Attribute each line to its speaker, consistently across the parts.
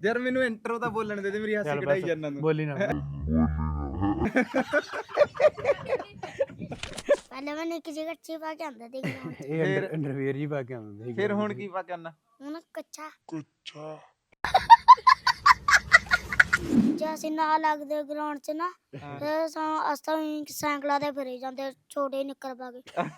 Speaker 1: ਯਾਰ ਮੈਨੂੰ ਇੰਟਰੋ ਤਾਂ ਬੋਲਣ ਦੇ ਮੇਰੀ ਹਾਸੀ ਕਢਾਈ ਜਾਂਦਾ ਤੂੰ।
Speaker 2: ਬੋਲੀ ਨਾ
Speaker 3: ਪਹਿਲਾਂ ਮੈਂ ਨਿੱਕੀ ਗੱਚੀ ਪਾ ਕੇ ਆਂਦਾ ਤੇ
Speaker 2: ਇਹ ਅੰਡਰਵੇਅਰ ਜੀ ਪਾ ਕੇ ਆਉਂਦਾ
Speaker 1: ਫਿਰ ਹੁਣ ਕੀ ਪਾ ਕਰਨਾ?
Speaker 3: ਹੁਣ ਕੱਚਾ ਜੇ ਅਸੀਂ ਨਾ ਲੱਗਦੇ ਗਰਾਊਂਡ 'ਚ ਨਾ ਤੇ ਅਸਾਂ ਸਾਈਕਲਾਂ ਤੇ ਫਿਰੇ ਜਾਂਦੇ ਛੋਟੇ ਨਿੱਕਰ ਪਾ ਕੇ।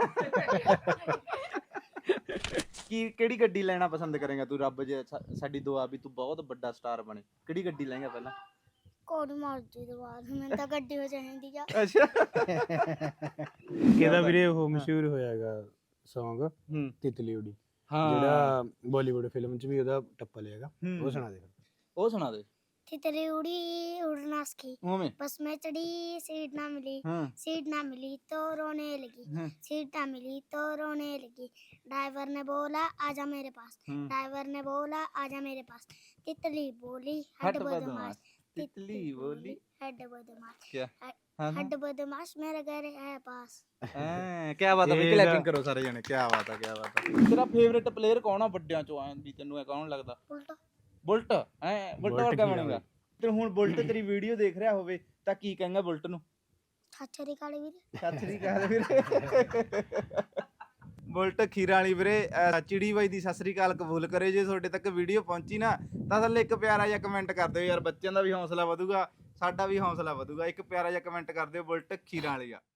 Speaker 1: ਕੀ ਕਿਹੜੀ ਗੱਡੀ ਲੈਣਾ ਪਸੰਦ ਕਰੇਗਾ ਤੂੰ? ਰੱਬ ਜੇ ਸਾਡੀ ਦੁਆ ਵੀ ਤੂੰ ਬਹੁਤ ਵੱਡਾ ਸਟਾਰ ਬਣੇ, ਕਿਹੜੀ ਗੱਡੀ ਲਏਗਾ ਪਹਿਲਾਂ?
Speaker 3: ਕੋੜੀ ਮਰਜ਼ੀ ਦੇ ਬਾਅਦ ਮੈਨੂੰ ਤਾਂ ਗੱਡੀ ਹੋ ਚਾਹੀਦੀ ਆ।
Speaker 1: ਅੱਛਾ
Speaker 2: ਕਿਹਦਾ ਵੀਰੇ ਉਹ ਮਸ਼ਹੂਰ ਹੋਇਆਗਾ Song ਤਿਤਲੀ ਉਡੀ, ਜਿਹੜਾ ਬਾਲੀਵੁੱਡ ਫਿਲਮ 'ਚ ਵੀ ਉਹਦਾ ਟੱਪਾ ਲਿਆਗਾ, ਉਹ ਸੁਣਾ ਦੇ।
Speaker 1: ਉਹ ਸੁਣਾ ਦੇ।
Speaker 3: तितली उड़ी उड़ना सीखी,
Speaker 1: ਉਵੇਂ
Speaker 3: बस में चढ़ी सीट ना मिली, सीट ना मिली तो रोने लगी, सीट ना मिली तो रोने लगी। ड्राइवर ने बोला आजा मेरे पास, ड्राइवर ने बोला आजा मेरे पास। तितली बोली हट बदमाश,
Speaker 1: तितली बोली
Speaker 3: हट बदमाश,
Speaker 1: क्या
Speaker 3: हट बदमाश मेरे घर है पास।
Speaker 1: ਕੀ ਬਾਤ ਹੈ, ਕਲੈਪਿੰਗ ਕਰੋ ਸਾਰੇ ਜਣੇ। ਕੀ ਬਾਤ ਹੈ, ਕੀ ਬਾਤ ਹੈ। ਤੇਰਾ ਫੇਵਰਿਟ ਪਲੇਅਰ ਕੌਣ ਆ ਵੱਡਿਆਂ ਚੋਂ? ਆਂ ਵੀ ਤੈਨੂੰ ਕੌਣ ਲੱਗਦਾ? ਬੁਲਟ। ਬੁਲਟ ਵਰਗਾ ਬਣੇਗਾ ਤੇ ਹੁਣ ਬੁਲਟ ਤੇਰੀ ਵੀਡੀਓ ਦੇਖ ਰਿਹਾ ਹੋਵੇ ਤਾਂ ਕੀ ਕਹੇਗਾ ਬੁਲਟ ਨੂੰ?
Speaker 3: ਸਤਿ ਸ੍ਰੀ ਅਕਾਲ ਵੀਰੇ।
Speaker 1: ਸਤਿ ਸ੍ਰੀ ਅਕਾਲ ਵੀਰੇ। ਬੁਲਟ ਖੀਰਾਂ ਵਾਲੀ ਵੀਰੇ ਚਿੜੀ ਬਾਈ ਦੀ ਸਤਿ ਸ੍ਰੀ ਅਕਾਲ ਕਬੂਲ ਕਰੇ। ਜੇ ਤੁਹਾਡੇ ਤੱਕ ਵੀਡੀਓ ਪਹੁੰਚੀ ਨਾ ਤਾਂ ਥੱਲੇ ਇੱਕ ਪਿਆਰਾ ਜਿਹਾ ਕਮੈਂਟ ਕਰ ਦਿਓ ਯਾਰ, ਬੱਚਿਆਂ ਦਾ ਵੀ ਹੌਸਲਾ ਵਧੂਗਾ, ਸਾਡਾ ਵੀ ਹੌਸਲਾ ਵਧੂਗਾ। ਇੱਕ ਪਿਆਰਾ ਜਿਹਾ ਕਮੈਂਟ ਕਰ ਦਿਓ, ਬੁਲਟ ਖੀਰਾਂ ਵਾਲੀ ਆ।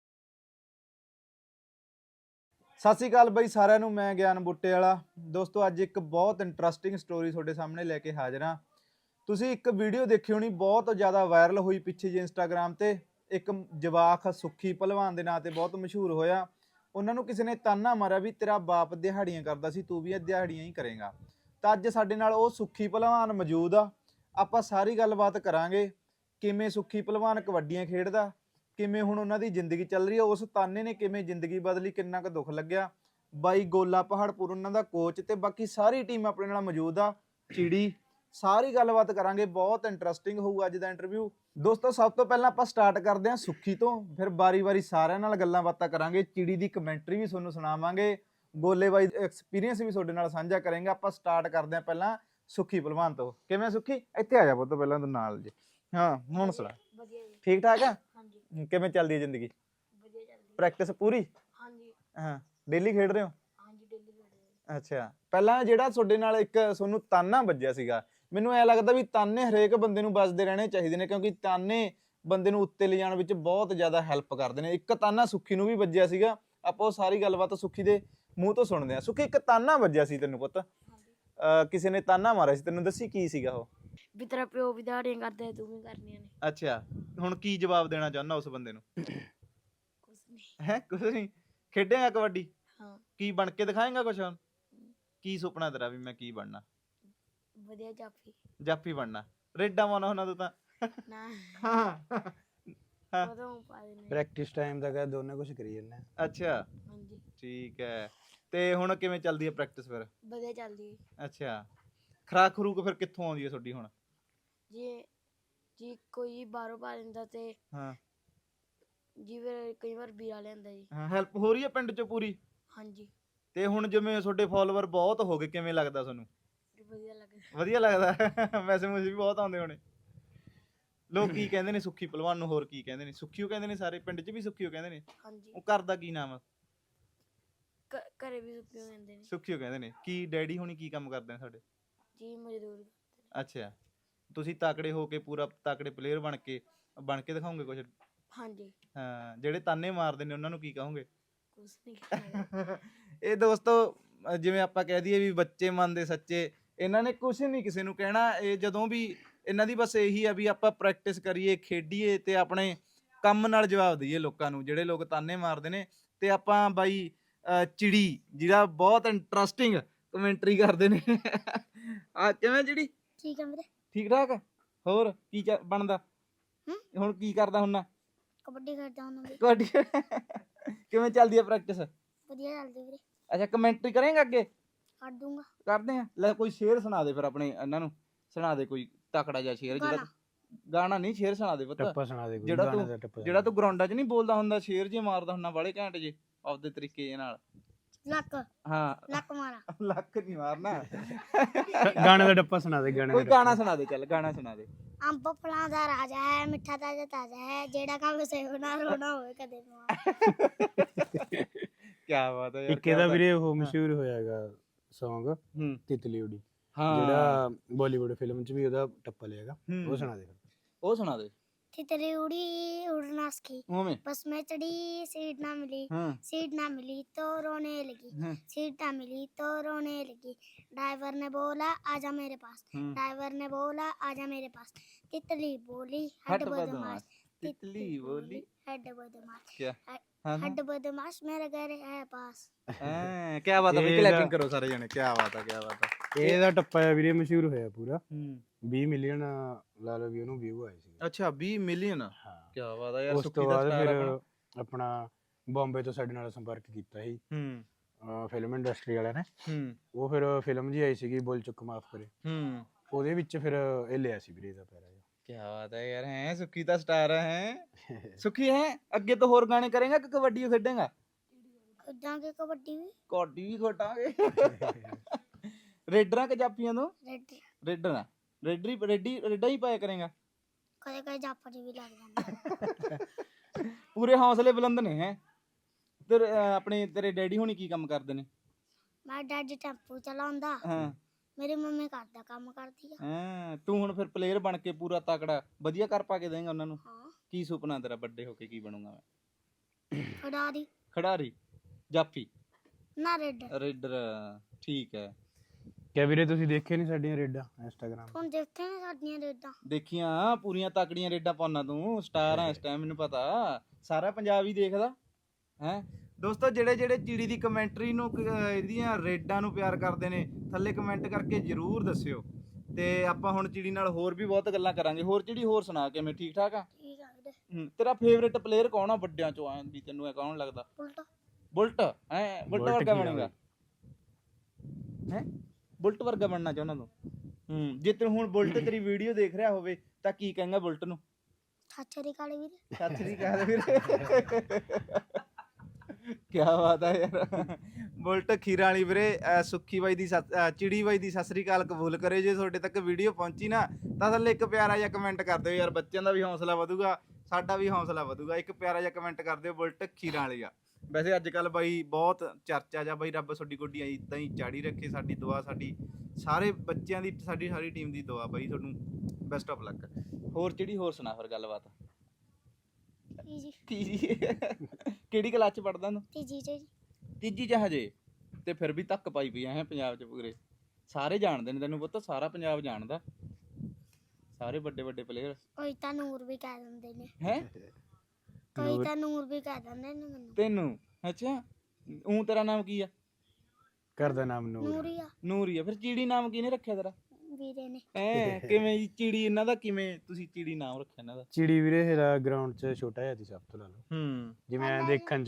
Speaker 1: ਸਤਿ ਸ਼੍ਰੀ ਅਕਾਲ ਬਾਈ ਸਾਰਿਆਂ ਨੂੰ, ਮੈਂ ਗਿਆਨ ਬੁੱਟੇ ਵਾਲਾ। ਦੋਸਤੋ ਅੱਜ ਇੱਕ ਬਹੁਤ ਇੰਟਰਸਟਿੰਗ ਸਟੋਰੀ ਤੁਹਾਡੇ ਸਾਹਮਣੇ ਲੈ ਕੇ ਹਾਜ਼ਰ ਹਾਂ। ਤੁਸੀਂ ਇੱਕ ਵੀਡੀਓ ਦੇਖੀ ਹੋਣੀ, ਬਹੁਤ ਜ਼ਿਆਦਾ ਵਾਇਰਲ ਹੋਈ ਪਿੱਛੇ ਜੇ ਇੰਸਟਾਗ੍ਰਾਮ ਤੇ। ਇੱਕ ਜਵਾਕ ਸੁੱਖੀ ਭਲਵਾਨ ਦੇ ਨਾਂ ਤੇ ਬਹੁਤ ਮਸ਼ਹੂਰ ਹੋਇਆ। ਉਹਨਾਂ ਨੂੰ ਕਿਸੇ ਨੇ ਤਾਨਾ ਮਾਰਿਆ ਵੀ ਤੇਰਾ ਬਾਪ ਦਿਹਾੜੀਆਂ ਕਰਦਾ ਸੀ, ਤੂੰ ਵੀ ਦਿਹਾੜੀਆਂ ਹੀ ਕਰੇਗਾ। ਤਾਂ ਅੱਜ ਸਾਡੇ ਨਾਲ ਉਹ ਸੁੱਖੀ ਭਲਵਾਨ ਮੌਜੂਦ ਆ। ਆਪਾਂ ਸਾਰੀ ਗੱਲਬਾਤ ਕਰਾਂਗੇ, ਕਿਵੇਂ ਸੁੱਖੀ ਭਲਵਾਨ ਕਬੱਡੀਆਂ ਖੇਡਦਾ, ਕਿਵੇਂ ਹੁਣ ਉਹਨਾਂ ਦੀ ਜ਼ਿੰਦਗੀ ਚੱਲ ਰਹੀ ਹੈ, ਉਸ ਤਾਨੇ ਨੇ ਕਿਵੇਂ ਜ਼ਿੰਦਗੀ ਬਦਲੀ, ਕਿੰਨਾ ਕੁ ਦੁੱਖ ਲੱਗਿਆ। ਬਾਈ ਗੋਲਾ ਪਹਾੜਪੁਰ ਉਹਨਾਂ ਦਾ ਕੋਚ ਤੇ ਬਾਕੀ ਸਾਰੀ ਟੀਮ ਆਪਣੇ ਨਾਲ ਮੌਜੂਦ ਆ। ਚਿੜੀ ਸਾਰੀ ਗੱਲਬਾਤ ਕਰਾਂਗੇ, ਬਹੁਤ ਇੰਟਰਸਟਿੰਗ ਹੋਊ ਅੱਜ ਦਾ ਇੰਟਰਵਿਊ। ਦੋਸਤੋ ਸਭ ਤੋਂ ਪਹਿਲਾਂ ਆਪਾਂ ਸਟਾਰਟ ਕਰਦੇ ਹਾਂ ਸੁੱਖੀ ਤੋਂ, ਫਿਰ ਵਾਰੀ-ਵਾਰੀ ਸਾਰਿਆਂ ਨਾਲ ਗੱਲਾਂ ਬਾਤਾਂ ਕਰਾਂਗੇ। ਚਿੜੀ ਦੀ ਕਮੈਂਟਰੀ ਵੀ ਤੁਹਾਨੂੰ ਸੁਣਾਵਾਂਗੇ, ਗੋਲੇ ਬਾਈ ਐਕਸਪੀਰੀਅੰਸ ਵੀ ਤੁਹਾਡੇ ਨਾਲ ਸਾਂਝਾ ਕਰਾਂਗੇ। ਆਪਾਂ ਸਟਾਰਟ ਕਰਦੇ ਹਾਂ ਪਹਿਲਾਂ ਸੁੱਖੀ ਭਲਵਾਨ ਤੋਂ। ਕਿਵੇਂ ਸੁੱਖੀ? ਇੱਥੇ ਆ ਜਾ ਪੁੱਤ ਪਹਿਲਾਂ ਤੂੰ ਨਾਲ ਜੀ। ਹਾਂ ਹੁਣ ਸੁਣਾ। ਠੀਕ ਠਾਕ ਆ? ਕਿਵੇਂ ਚੱਲਦੀ ਹੈ ਜ਼ਿੰਦਗੀ? ਪ੍ਰੈਕਟਿਸ ਪੂਰੀ? ਹਾਂ ਡੇਲੀ ਖੇਡ ਰਹੇ ਹੋ? ਅੱਛਾ, ਪਹਿਲਾਂ ਜਿਹੜਾ ਤੁਹਾਡੇ ਨਾਲ ਇੱਕ ਤੁਹਾਨੂੰ ਤਾਨਾ ਵੱਜਿਆ ਸੀਗਾ, ਮੈਨੂੰ ਐ ਲੱਗਦਾ ਵੀ ਤਾਨੇ ਹਰੇਕ ਬੰਦੇ ਨੂੰ ਵੱਜਦੇ ਰਹਿਣੇ ਚਾਹੀਦੇ ਨੇ, ਕਿਉਂਕਿ ਤਾਨੇ ਬੰਦੇ ਨੂੰ ਉੱਤੇ ਲਿਜਾਣ ਵਿੱਚ ਬਹੁਤ ਜ਼ਿਆਦਾ ਹੈਲਪ ਕਰਦੇ ਨੇ। ਇੱਕ ਤਾਨਾ ਸੁੱਖੀ ਨੂੰ ਵੀ ਵੱਜਿਆ ਸੀਗਾ, ਆਪਾਂ ਉਹ ਸਾਰੀ ਗੱਲਬਾਤ ਸੁੱਖੀ ਦੇ ਮੂੰਹ ਤੋਂ ਸੁਣਦੇ ਹਾਂ। ਸੁੱਖੀ ਇੱਕ ਤਾਨਾ ਵੱਜਿਆ ਸੀ ਤੈਨੂੰ ਪੁੱਤ, ਕਿਸੇ ਨੇ ਤਾਨਾ ਮਾਰਿਆ ਸੀ ਤੈਨੂੰ, ਦੱਸੀ ਕੀ ਸੀਗਾ ਉਹ?
Speaker 3: ਵੀ ਤੇਰਾ ਪਿਓ ਵੀ ਦਿਹਾੜੀਆਂ ਕਰਦਾ ਤੂੰ ਵੀ ਕਰਨੀਆਂ ਨੇ।
Speaker 1: ਅੱਛਾ, ਹੁਣ ਕੀ ਜਵਾਬ ਦੇਣਾ ਚਾਹੁੰਦਾ ਉਸ ਬੰਦੇ ਨੂੰ?
Speaker 3: ਕੁਛ ਨਹੀਂ
Speaker 1: ਹੈ ਕੁਛ ਨਹੀਂ। ਖੇਡੇਗਾ ਕਬੱਡੀ?
Speaker 3: ਹਾਂ।
Speaker 1: ਕੀ ਬਣ ਕੇ ਦਿਖਾਏਗਾ ਕੁਛ? ਕੀ ਸੁਪਨਾ ਤੇਰਾ ਵੀ ਮੈਂ ਕੀ ਬਣਨਾ?
Speaker 3: ਵਧੀਆ ਜਾਫੀ।
Speaker 1: ਜਾਫੀ ਬਣਨਾ? ਰੇਡਾ ਮਾਉਣਾ ਹੁੰਦਾ ਤੂੰ ਤਾਂ।
Speaker 3: ਨਾ
Speaker 1: ਹਾਂ
Speaker 3: ਉਦੋਂ ਪਾ ਦੇਣੇ।
Speaker 2: ਪ੍ਰੈਕਟਿਸ ਟਾਈਮ ਦਾ ਕਹ ਦੋਨੇ ਕੁਝ ਕਰੀ ਜਾਂਦੇ।
Speaker 1: ਅੱਛਾ
Speaker 3: ਹਾਂਜੀ
Speaker 1: ਠੀਕ ਹੈ। ਤੇ ਹੁਣ ਕਿਵੇਂ ਚੱਲਦੀ ਹੈ ਪ੍ਰੈਕਟਿਸ ਫਿਰ?
Speaker 3: ਵਧੀਆ ਚੱਲਦੀ ਹੈ।
Speaker 1: ਅੱਛਾ, ਖੁਰਾਕ ਖਰੂਕ ਫਿਰ ਕਿੱਥੋਂ ਆਉਂਦੀ ਹੈ ਤੁਹਾਡੀ ਹੁਣ?
Speaker 3: ਜੀ ਕੋਈ ਬਾਹਰੋਂ ਪਾ ਲੈਂਦਾ ਤੇ
Speaker 1: ਹਾਂ
Speaker 3: ਜੀ ਫਿਰ ਕਈ ਵਾਰ ਵੀਰਾ ਲਿਆਂਦਾ ਜੀ।
Speaker 1: ਹਾਂ ਹੈਲਪ ਹੋ ਰਹੀ ਹੈ ਪਿੰਡ 'ਚ ਪੂਰੀ?
Speaker 3: ਹਾਂਜੀ।
Speaker 1: ਤੇ ਹੁਣ ਜਿਵੇਂ ਤੁਹਾਡੇ ਫਾਲੋਅਰ ਬਹੁਤ ਹੋ ਗਏ, ਕਿਵੇਂ ਲੱਗਦਾ ਤੁਹਾਨੂੰ?
Speaker 3: ਵਧੀਆ ਲੱਗਦਾ।
Speaker 1: ਵਧੀਆ ਲੱਗਦਾ? ਮੈਸੇਜ ਮੁਸੇਜ ਵੀ ਬਹੁਤ ਆਉਂਦੇ ਹੋਣੇ। ਲੋਕ ਕੀ ਕਹਿੰਦੇ ਨੇ ਸੁੱਖੀ ਭਲਵਾਨ ਨੂੰ? ਹੋਰ ਕੀ ਕਹਿੰਦੇ ਨੇ? ਸੁੱਖੀਓ ਕਹਿੰਦੇ ਨੇ ਸਾਰੇ ਪਿੰਡ 'ਚ ਵੀ? ਸੁੱਖੀਓ ਕਹਿੰਦੇ ਨੇ?
Speaker 3: ਹਾਂਜੀ।
Speaker 1: ਉਹ ਘਰ ਦਾ ਕੀ ਨਾਮ ਆ?
Speaker 3: ਘਰੇ ਵੀ ਸੁੱਕੀਓ ਕਹਿੰਦੇ ਨੇ।
Speaker 1: ਸੁੱਖੀਓ ਕਹਿੰਦੇ ਨੇ। ਕੀ ਡੈਡੀ ਹੁਣੀ ਕੀ ਕੰਮ ਕਰਦੇ ਨੇ ਸਾਡੇ?
Speaker 3: ਜੀ ਮਜ਼ਦੂਰ।
Speaker 1: ਅੱਛਾ, ਤੁਸੀਂ ਤਾਕੜੇ ਹੋ ਕੇ ਪੂਰਾ ਤਾਕੜੇ ਪਲੇਅਰ ਬਣ ਕੇ ਦਿਖਾਓਗੇ ਕੁਝ?
Speaker 3: ਹਾਂਜੀ।
Speaker 1: ਹਾਂ, ਜਿਹੜੇ ਤਾਨੇ ਮਾਰਦੇ ਨੇ ਉਹਨਾਂ ਨੂੰ ਕੀ ਕਹੋਗੇ?
Speaker 3: ਕੁਛ ਨਹੀਂ।
Speaker 1: ਇਹ ਦੋਸਤੋ ਜਿਵੇਂ ਆਪਾਂ ਕਹਿ ਦਈਏ ਵੀ ਬੱਚੇ ਮਨ ਦੇ ਸੱਚੇ, ਇਹਨਾਂ ਨੇ ਕੁਛ ਨਹੀਂ ਕਿਸੇ ਨੂੰ ਕਹਿਣਾ। ਇਹ ਜਦੋਂ ਵੀ ਇਹਨਾਂ ਦੀ ਬਸ ਇਹੀ ਆ ਵੀ ਆਪਾਂ ਪ੍ਰੈਕਟਿਸ ਕਰੀਏ, ਖੇਡੀਏ ਤੇ ਆਪਣੇ ਕੰਮ ਨਾਲ ਜਵਾਬ ਦਈਏ ਲੋਕਾਂ ਨੂੰ, ਜਿਹੜੇ ਲੋਕ ਤਾਨੇ ਮਾਰਦੇ ਨੇ। ਤੇ ਆਪਾਂ ਬਾਈ ਚਿੜੀ ਜਿਹੜਾ ਬਹੁਤ ਇੰਟਰਸਟਿੰਗ ਕਮੈਂਟਰੀ ਕਰਦੇ ਨੇ। ਆ ਕਿਵੇਂ ਚਿੜੀ?
Speaker 3: ਠੀਕ ਹੈ ਵੀਰੇ।
Speaker 1: ਠੀਕ ਠਾਕ? ਹੋਰ ਕੀ ਬਣਦਾ ਹੁਣ? ਕੀ ਕਰਦਾ ਹੁੰਨਾ?
Speaker 3: ਕਬੱਡੀ ਖੇਡਦਾ ਹੁੰਦਾ ਵੀਰੇ।
Speaker 1: ਕਬੱਡੀ? ਕਿਵੇਂ ਚੱਲਦੀ ਹੈ ਪ੍ਰੈਕਟਿਸ?
Speaker 3: ਵਧੀਆ ਚੱਲਦੀ ਵੀਰੇ।
Speaker 1: ਅੱਛਾ, ਕਮੈਂਟਰੀ ਕਰੇਂਗਾ ਅੱਗੇ?
Speaker 3: ਕਰ ਦੂੰਗਾ।
Speaker 1: ਕਰਦੇ ਆ। ਲੈ ਕੋਈ ਸ਼ੇਰ ਸੁਣਾ ਦੇ ਫਿਰ ਆਪਣੇ ਇਹਨਾਂ ਨੂੰ, ਸੁਣਾ ਦੇ ਕੋਈ ਤਕੜਾ ਜਿਹਾ ਸ਼ੇਰ। ਜਿਹੜਾ ਗਾਣਾ ਨਹੀਂ, ਸ਼ੇਰ ਸੁਣਾ ਦੇ ਪੁੱਤ।
Speaker 2: ਟੱਪਾ ਸੁਣਾ ਦੇ ਕੋਈ
Speaker 1: ਜਿਹੜਾ ਤੂੰ ਗਰਾਊਂਡਾਂ 'ਚ ਨਹੀਂ ਬੋਲਦਾ ਹੁੰਦਾ, ਸ਼ੇਰ ਜੇ ਮਾਰਦਾ ਹੁੰਦਾ ਵਾਲੇ ਘੈਂਟ ਜੇ ਆਪਦੇ ਤਰੀਕੇ ਨਾਲ।
Speaker 3: लक
Speaker 1: ਹਾਂ
Speaker 3: लक मारा
Speaker 1: ਲੱਕ ਨਹੀਂ ਮਾਰਨਾ
Speaker 2: ਗਾਣੇ ਦਾ ਟੱਪਾ ਸੁਣਾ ਦੇ ਗਾਣੇ
Speaker 1: ਕੋਈ
Speaker 2: ਦਾ
Speaker 1: ਗਾਣਾ ਸੁਣਾ ਦੇ, ਚੱਲ ਗਾਣਾ ਸੁਣਾ ਦੇ।
Speaker 3: अंब फलां दा राजा है मिठा ताजा ताजा है जेड़ा काम सेव ना रोना होवे कदे पवा
Speaker 1: ਕੀ ਬਾਤ ਹੈ ਯਾਰ,
Speaker 2: ਇੱਕ ਇਹਦਾ ਵੀਰੇ ਉਹ ਮਸ਼ਹੂਰ ਹੋਇਆਗਾ Song
Speaker 1: ਹੂੰ
Speaker 2: ਤਿਤਲੀ ਉਡੀ,
Speaker 1: ਹਾਂ
Speaker 2: ਜਿਹੜਾ ਬਾਲੀਵੁੱਡ ਫਿਲਮ 'ਚ ਵੀ ਉਹਦਾ ਟੱਪਾ ਲਿਆਗਾ,
Speaker 1: ਹੂੰ।
Speaker 2: ਉਹ ਸੁਣਾ ਦੇ ਫਿਰ।
Speaker 1: ਉਹ ਸੁਣਾ ਦੇ
Speaker 3: तितली उड़ी उड़ना सीखी
Speaker 1: ਉਵੇਂ।
Speaker 3: बस में चढ़ी सीट ना मिली
Speaker 1: ਹਾਂ
Speaker 3: सीट ना मिली तो रोने लगी
Speaker 1: ਹਾਂ
Speaker 3: सीट ना मिली तो रोने लगी ड्राइवर ने बोला आजा मेरे पास
Speaker 1: ਹਾਂ।
Speaker 3: ड्राइवर ने बोला आजा मेरे पास तितली बोली
Speaker 1: हट
Speaker 3: हट
Speaker 1: बदमाश
Speaker 3: बदमाश
Speaker 1: तितली बोली
Speaker 3: हट बदमाश
Speaker 1: क्या हाँ, हाँ।
Speaker 3: हट बदमाश मेरे घर है पास
Speaker 1: ਹਾਂ ਕੀ ਬਾਤ ਹੈ,
Speaker 2: ਇਹਦਾ-
Speaker 1: ਕਲੈਪਿੰਗ ਕਰੋ ਸਾਰੇ ਜਣੇ, ਕੀ ਬਾਤ ਹੈ, ਕੀ ਬਾਤ ਹੈ।
Speaker 2: ਇਹਦਾ ਟੱਪਾ ਆ ਵੀਰੇ ਮਸ਼ਹੂਰ ਹੋਇਆ ਪੂਰਾ,
Speaker 1: ਹੂੰ
Speaker 2: 20 ਮਿਲੀਅਨ ਲਾ ਲਓ ਵੀ ਉਹਨੂੰ ਵਿਊ ਆਏ ਸੀ।
Speaker 1: ਅੱਛਾ 20 ਮਿਲੀਅਨ,
Speaker 2: ਹਾਂ
Speaker 1: ਕੀ ਬਾਤ ਹੈ ਯਾਰ।
Speaker 2: ਉਸ
Speaker 1: ਸੁੱਖੀ
Speaker 2: ਤੋਂ
Speaker 1: ਦਾ
Speaker 2: ਬਾਅਦ
Speaker 1: star
Speaker 2: ਫਿਰ
Speaker 1: ਆਪਣਾ।
Speaker 2: ਆਪਣਾ ਬੰਬੇ ਤੋਂ ਸਾਡੇ ਨਾਲ ਸੰਪਰਕ ਕੀਤਾ ਸੀ
Speaker 1: ਹੂੰ
Speaker 2: ਫਿਲਮ ਇੰਡਸਟਰੀ ਵਾਲਿਆਂ ਨੇ,
Speaker 1: ਹੂੰ
Speaker 2: ਉਹ ਫਿਰ ਫਿਲਮ ਜੀ ਆਈ ਸੀਗੀ ਬੋਲ ਚੁੱਕ ਮਾਫ ਕਰੇ,
Speaker 1: ਹੂੰ
Speaker 2: ਉਹਦੇ ਵਿੱਚ ਫਿਰ ਇਹ ਲਿਆ ਸੀ ਵੀਰੇ ਦਾ ਪੈਰਾ।
Speaker 1: ਕੀ ਬਾਤ ਹੈ ਯਾਰ, ਹੈ ਸੁੱਖੀ ਦਾ ਸਟਾਰ ਹੈ। ਸੁੱਖੀ ਹੈ ਅੱਗੇ ਤੋਂ ਹੋਰ ਗਾਣੇ ਕਰੇਗਾ ਕਿ ਕਬੱਡੀ ਖੇਡੇਗਾ?
Speaker 3: खुदांगे कबड्डी भी
Speaker 1: ਕਬੱਡੀ ਵੀ ਖੋਟਾਂਗੇ। ਰੇਡਰਾਂ ਕਿ ਜਾਪੀਆਂ ਤੋਂ?
Speaker 3: रेड
Speaker 1: ਰੇਡਰਾਂ, ਰੇਡਾ ਹੀ ਪਾਇਆ ਕਰੇਗਾ।
Speaker 3: कदे कदे जापड़ी भी लग जांदी
Speaker 1: ਪੂਰੇ ਹੌਸਲੇ ਬੁਲੰਦ ਨੇ ਹੈ ਤੇ ਆਪਣੇ ਤੇਰੇ ਡੈਡੀ ਹੁਣੀ ਕੀ ਕੰਮ ਕਰਦੇ ਨੇ?
Speaker 3: मैं डैडी टेंपू चलाਉਂਦਾ
Speaker 1: ਹਾਂ
Speaker 3: मेरी मम्मी घर दा काम करदी है
Speaker 1: ਹਾਂ, ਤੂੰ ਹੁਣ ਫਿਰ ਪਲੇਅਰ ਬਣ ਕੇ ਪੂਰਾ ਤਕੜਾ ਵਧੀਆ ਕਰ ਪਾ ਕੇ ਦੇਂਗਾ ਉਹਨਾਂ ਨੂੰ?
Speaker 3: हां
Speaker 1: ਕੀ ਸੁਪਨਾ ਤੇਰਾ ਵੱਡੇ ਹੋ ਕੇ ਕੀ ਬਣੂੰਗਾ ਮੈਂ?
Speaker 3: खिडारी
Speaker 1: ਖਿਡਾਰੀ, ਜਾਫੀ,
Speaker 3: ना रेड
Speaker 1: ਰੇਡਰ, ਠੀਕ ਹੈ।
Speaker 2: ਕਿਆ ਵੀਰੇ ਤੁਸੀਂ ਦੇਖੇ ਨਹੀਂ ਸਾਡੀਆਂ ਰੇਡਾਂ ਇੰਸਟਾਗ੍ਰਾਮ?
Speaker 3: ਹੁਣ ਦੇਖਦੇ ਨੇ ਸਾਡੀਆਂ ਰੇਡਾਂ
Speaker 1: ਦੇਖੀਆਂ ਪੂਰੀਆਂ ਤਕੜੀਆਂ ਰੇਡਾਂ ਪਾਉਣਾ ਤੂੰ, ਸਟਾਰ ਆ ਇਸ ਟਾਈਮ, ਮੈਨੂੰ ਪਤਾ ਸਾਰਾ ਪੰਜਾਬ ਹੀ ਦੇਖਦਾ ਹੈ। ਦੋਸਤੋ ਜਿਹੜੇ ਜਿਹੜੇ ਚਿੜੀ ਦੀ ਕਮੈਂਟਰੀ ਨੂੰ ਇਹਦੀਆਂ ਰੇਡਾਂ ਨੂੰ ਪਿਆਰ ਕਰਦੇ ਨੇ ਥੱਲੇ ਕਮੈਂਟ ਕਰਕੇ ਜਰੂਰ ਦੱਸਿਓ, ਤੇ ਆਪਾਂ ਹੁਣ ਚਿੜੀ ਨਾਲ ਹੋਰ ਵੀ ਬਹੁਤ ਗੱਲਾਂ ਕਰਾਂਗੇ। ਹੋਰ ਚਿੜੀ ਹੋਰ ਸੁਣਾ ਕਿਵੇਂ, ਠੀਕ ਠਾਕ ਆ?
Speaker 3: ਠੀਕ ਆ ਵੀਰੇ
Speaker 1: ਤੇਰਾ ਫੇਵਰੇਟ ਪਲੇਅਰ ਕੌਣ ਆ ਵੱਡਿਆਂ ਚੋਂ, ਆ ਵੀ ਤੈਨੂੰ ਇਹ ਕੌਣ ਲੱਗਦਾ?
Speaker 3: ਉਲਟ
Speaker 1: ਬੁਲਟ ਹੈ? ਬੁਲਟ
Speaker 2: ਬੁਲਟ
Speaker 1: ਵਰਗਾ
Speaker 2: ਕੀ ਆ
Speaker 1: ਬਣੇਗਾ ਹੈ? ਬੁਲਟ ਵਰਗਾ ਬਣਨਾ ਚਾਹੁੰਦਾ ਤੂੰ? ਜੇ ਤੂੰ ਹੁਣ ਬੁਲਟ ਤੇਰੀ ਵੀਡੀਓ ਦੇਖ ਰਿਹਾ ਹੋਵੇ ਤਾਂ ਕੀ ਕਹੇਂਗਾ ਬੁਲਟ ਨੂੰ?
Speaker 3: ਛਾਛਰੀ ਕਾਲੇ ਵੀਰੇ
Speaker 1: ਸਤਿ ਸ੍ਰੀ ਅਕਾਲ ਵੀਰੇ। ਕੀ ਬਾਤ ਹੈ ਯਾਰ। ਬੁਲਟ ਖੀਰਾ ਵਾਲੀ ਵੀਰੇ, ਸੁੱਖੀ ਬਾਈ ਦੀ ਚਿੜੀ ਬਾਈ ਦੀ ਸਤਿ ਸ੍ਰੀ ਅਕਾਲ ਕਬੂਲ ਕਰੇ। ਜੇ ਤੁਹਾਡੇ ਤੱਕ ਵੀਡੀਓ ਪਹੁੰਚੀ ਨਾ ਤਾਂ ਥੱਲੇ ਇੱਕ ਪਿਆਰਾ ਜਿਹਾ ਕਮੈਂਟ ਕਰ ਦਿਓ ਯਾਰ, ਬੱਚਿਆਂ ਦਾ ਵੀ ਹੌਸਲਾ ਵਧੂਗਾ, ਸਾਡਾ ਵੀ ਹੌਸਲਾ ਵਧੂਗਾ। ਇੱਕ ਪਿਆਰਾ ਜਿਹਾ ਕਮੈਂਟ ਕਰ ਦਿਓ ਬੁਲਟ ਖੀਰਾ ਵਾਲੀ ਆ। ਵੈਸੇ ਅੱਜ ਕੱਲ ਬਾਈ ਬਹੁਤ ਚਰਚਾ ਜਾ ਬਾਈ, ਰੱਬ ਤੁਹਾਡੀ ਗੋਡੀ ਇਦਾਂ ਹੀ ਚਾੜੀ ਰੱਖੇ। ਸਾਡੀ ਦੁਆ, ਸਾਡੀ ਸਾਰੇ ਬੱਚਿਆਂ ਦੀ, ਸਾਡੀ ਸਾਰੀ ਟੀਮ ਦੀ ਦੁਆ ਬਾਈ, ਤੁਹਾਨੂੰ ਬੈਸਟ ਆਫ ਲੱਕ। ਹੋਰ ਚਿੜੀ ਹੋਰ ਸੁਣਾ ਫਿਰ ਗੱਲਬਾਤ।
Speaker 3: ਜੀ
Speaker 1: ਤੀਜੀ ਕਿਹੜੀ ਕਲਾਸ ਚ ਪੜਦਾ ਤੂੰ?
Speaker 3: ਤੀਜੀ ਜੀ
Speaker 1: ਤੀਜੀ ਚ ਹਜੇ, ਤੇ ਫਿਰ ਵੀ ਧੱਕ ਪਾਈ ਪਈ ਹੈ ਪੰਜਾਬ ਚ ਪੂਰੇ। ਸਾਰੇ ਜਾਣਦੇ ਨੇ ਤੈਨੂੰ ਪੁੱਤ, ਸਾਰਾ ਪੰਜਾਬ ਜਾਣਦਾ, ਸਾਰੇ ਵੱਡੇ ਵੱਡੇ ਪਲੇਅਰ
Speaker 3: ਕੋਈ ਤਾਂ ਨੂਰ ਵੀ ਕਹਿ ਦਿੰਦੇ ਨੇ
Speaker 1: ਹੈ।
Speaker 3: ਕੋਈ ਤਾਂ ਨੂਰ ਵੀ ਕਹਿ ਦਿੰਦੇ ਨੇ ਮੈਨੂੰ
Speaker 1: ਤੈਨੂੰ ਅੱਛਾ, ਤੇਰਾ ਨਾਮ ਕੀ ਆ?
Speaker 2: ਘਰ ਦਾ ਨਾਮ ਨੂਰ।
Speaker 3: ਨੂਰੀਆ
Speaker 1: ਨੂਰ ਹੀ ਆ। ਫਿਰ ਚਿੜੀ ਨਾਮ ਕਿਹਨੇ ਰੱਖਿਆ ਤੇਰਾ?
Speaker 3: ਵੀਰੇ ਨੇ
Speaker 1: ਕਿਵੇਂ ਜੀ ਚਿੜੀ, ਇਹਨਾਂ ਦਾ ਕਿਵੇਂ ਤੁਸੀਂ ਚਿੜੀ ਨਾਮ ਰੱਖਿਆ ਇਹਨਾਂ ਦਾ?
Speaker 2: ਚਿੜੀ ਵੀਰੇ ਹੈਗਾ ਗਰਾਊਂਡ 'ਚ ਛੋਟਾ ਜਿਹਾ ਸੀ ਸਭ ਤੋਂ, ਲਾ ਲਓ
Speaker 1: ਹੂੰ
Speaker 2: ਜਿਵੇਂ ਐਂ ਦੇਖਣ 'ਚ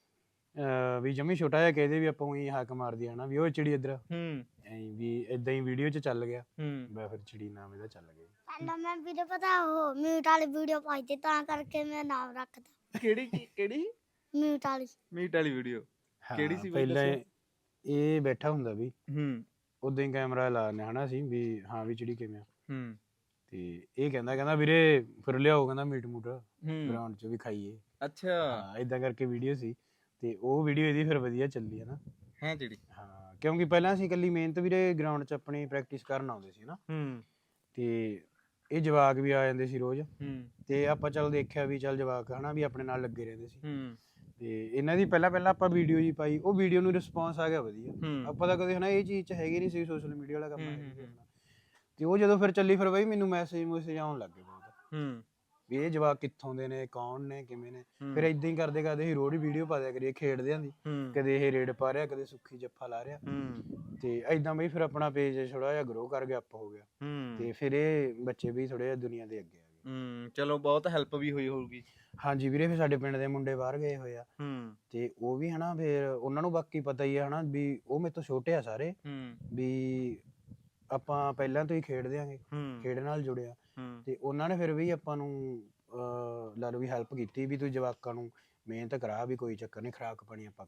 Speaker 2: ਵੀ ਜਮੀ ਛੋਟਾ ਜਿਹਾ ਕਹਦੇ ਵੀ ਆਪਾਂ ਉਹੀ ਹੱਕ ਮਾਰਦੀ ਆ ਨਾ ਵੀ ਉਹ ਚਿੜੀ ਇੱਧਰ,
Speaker 1: ਹੂੰ
Speaker 2: ਐਂ ਵੀ ਇਦਾਂ ਹੀ ਵੀਡੀਓ 'ਚ ਚੱਲ ਗਿਆ,
Speaker 1: ਹੂੰ
Speaker 2: ਮੈਂ ਫਿਰ ਚਿੜੀ ਨਾਮ ਇਹਦਾ ਚੱਲ ਗਿਆ।
Speaker 3: ਪਹਿਲਾਂ ਮੈਂ ਵੀਰੇ ਪਤਾ ਉਹ ਮਿਊਟ ਵਾਲੀ ਵੀਡੀਓ ਪਾਈ ਤੇ ਤਾਂ ਕਰਕੇ ਮੈਂ ਨਾਮ ਰੱਖਦਾ
Speaker 1: ਕਿਹੜੀ
Speaker 3: ਮਿਊਟ ਵਾਲੀ
Speaker 1: ਮੀਟ ਵਾਲੀ ਵੀਡੀਓ? ਕਿਹੜੀ ਸੀ ਬਈ
Speaker 2: ਪਹਿਲਾਂ
Speaker 1: ਦੱਸਿਓ?
Speaker 2: ਇਹ ਬੈਠਾ ਹੁੰਦਾ ਵੀ
Speaker 1: ਹੂੰ
Speaker 2: ਉਦਾਂ ਹੀ ਕੈਮਰਾ ਲਾਣੇ ਹਨਾ ਸੀ ਵੀ ਹਾਂ ਵੀ ਚਿੜੀ ਕਿਵੇਂ ਆ,
Speaker 1: ਹੂੰ
Speaker 2: ਤੇ ਇਹ ਕਹਿੰਦਾ ਵੀਰੇ ਫਿਰ ਲਿਆਓ, ਕਹਿੰਦਾ ਮੀਟ ਮੂਟ
Speaker 1: ਹੂੰ
Speaker 2: ਗਰਾਊਂਡ 'ਚ ਵੀ ਖਾਈਏ।
Speaker 1: ਅੱਛਾ
Speaker 2: ਹਾਂ ਇਦਾਂ ਕਰਕੇ ਵੀਡੀਓ ਸੀ, ਤੇ ਉਹ ਵੀਡੀਓ ਇਹਦੀ ਫਿਰ ਵਧੀਆ ਚੱਲੀ ਹੈ ਨਾ।
Speaker 1: ਹੈ ਚਿੜੀ।
Speaker 2: ਹਾਂ ਕਿਉਂਕਿ ਪਹਿਲਾਂ ਅਸੀਂ ਇਕੱਲੀ ਮਿਹਨਤ ਵੀਰੇ ਗਰਾਊਂਡ 'ਚ ਆਪਣੀ ਪ੍ਰੈਕਟਿਸ ਕਰਨ ਆਉਂਦੇ ਸੀ ਨਾ,
Speaker 1: ਹੂੰ
Speaker 2: ਤੇ ਇਹ ਜਵਾਕ ਵੀ ਆ ਜਾਂਦੇ ਸੀ ਰੋਜ਼,
Speaker 1: ਹੂੰ
Speaker 2: ਤੇ ਆਪਾਂ ਚੱਲ ਦੇਖਿਆ ਵੀ ਚੱਲ ਜਵਾਕ ਹਨਾ ਵੀ ਆਪਣੇ ਨਾਲ ਲੱਗੇ ਰਹਿੰਦੇ ਸੀ,
Speaker 1: ਹੂੰ
Speaker 2: ਤੇ ਇਹਨਾਂ ਦੀ ਪਹਿਲਾਂ ਆਪਾਂ ਵੀਡੀਓ ਜੀ ਪਾਈ, ਉਹ ਵੀਡੀਓ ਨੂੰ ਰਿਸਪੌਂਸ ਆ ਗਿਆ ਵਧੀਆ। ਆਪਾਂ ਤਾਂ ਕਦੇ ਹਨਾ ਇਹ ਚੀਜ਼ 'ਚ ਹੈਗੇ ਨਹੀਂ ਸੀ, ਸੋਸ਼ਲ ਮੀਡੀਆ ਵਾਲਾ ਕੰਮ ਹੈ ਤੇ ਉਹ ਜਦੋਂ ਫਿਰ ਚੱਲੀ ਫਿਰ ਬਈ ਮੈਨੂੰ ਮੈਸੇਜ ਆਉਣ ਲੱਗ ਗਏ ਬਹੁਤ ਵੀ ਇਹ ਜਵਾਕ ਕਿੱਥੋਂ ਦੇ ਨੇ, ਕੌਣ ਨੇ, ਕਿਵੇਂ ਨੇ। ਫਿਰ ਇਦਾਂ ਹੀ ਕਰਦੇ ਕਰਦੇ ਅਸੀਂ ਰੋਜ਼ ਵੀਡੀਓ ਪਾ ਦਿਆ ਕਰੀਏ ਖੇਡਦਿਆਂ ਦੀ, ਕਦੇ ਇਹ ਰੇਡ ਪਾ ਰਿਹਾ, ਕਦੇ ਸੁੱਖੀ ਜੱਫਾ ਲਾ ਰਿਹਾ, ਤੇ ਇਦਾਂ ਬਈ ਫਿਰ ਆਪਣਾ ਪੇਜ ਥੋੜਾ ਜਿਹਾ ਗਰੋ ਕਰ ਗਿਆ, ਅਪ ਹੋ ਗਿਆ, ਤੇ ਫਿਰ ਇਹ ਬੱਚੇ ਵੀ ਥੋੜੇ ਜਿਹਾ ਦੁਨੀਆ ਦੇ ਅੱਗੇ ਆ ਗਏ।
Speaker 1: ਚਲੋ ਬਹੁਤ ਹੈਲਪ ਵੀ ਹੋਈ ਹੋਊਗੀ।
Speaker 2: ਹਾਂਜੀ ਵੀਰੇ, ਫਿਰ ਸਾਡੇ ਪਿੰਡ ਦੇ ਮੁੰਡੇ ਬਾਹਰ ਗਏ ਹੋਏ ਆ, ਤੇ ਉਹ ਵੀ ਹਨਾ ਫਿਰ ਉਹਨਾਂ ਨੂੰ ਬਾਕੀ ਪਤਾ ਹੀ ਆ ਹਨਾ ਵੀ ਉਹ ਮੇਰੇ ਤੋਂ ਛੋਟੇ ਆ ਸਾਰੇ, ਵੀ ਆਪਾਂ ਪਹਿਲਾਂ ਤੋਂ ਹੀ ਖੇਡਦੇ ਆਂਗੇ, ਖੇਡ ਨਾਲ ਜੁੜਿਆ, ਤੇ ਉਹਨਾਂ ਨੇ ਫਿਰ ਵੀ ਆਪਾਂ ਨੂੰ ਲਾ ਲਓ ਵੀ ਹੈਲਪ ਕੀਤੀ ਵੀ ਤੂੰ ਜਵਾਕਾਂ ਨੂੰ ਮਿਹਨਤ ਕਰਾ, ਵੀ ਕੋਈ ਚੱਕਰ ਨਹੀਂ, ਖੁਰਾਕ ਪਾਣੀ ਆਪਾਂ ਕਰਿਆ ਕਰਾਂਗੇ।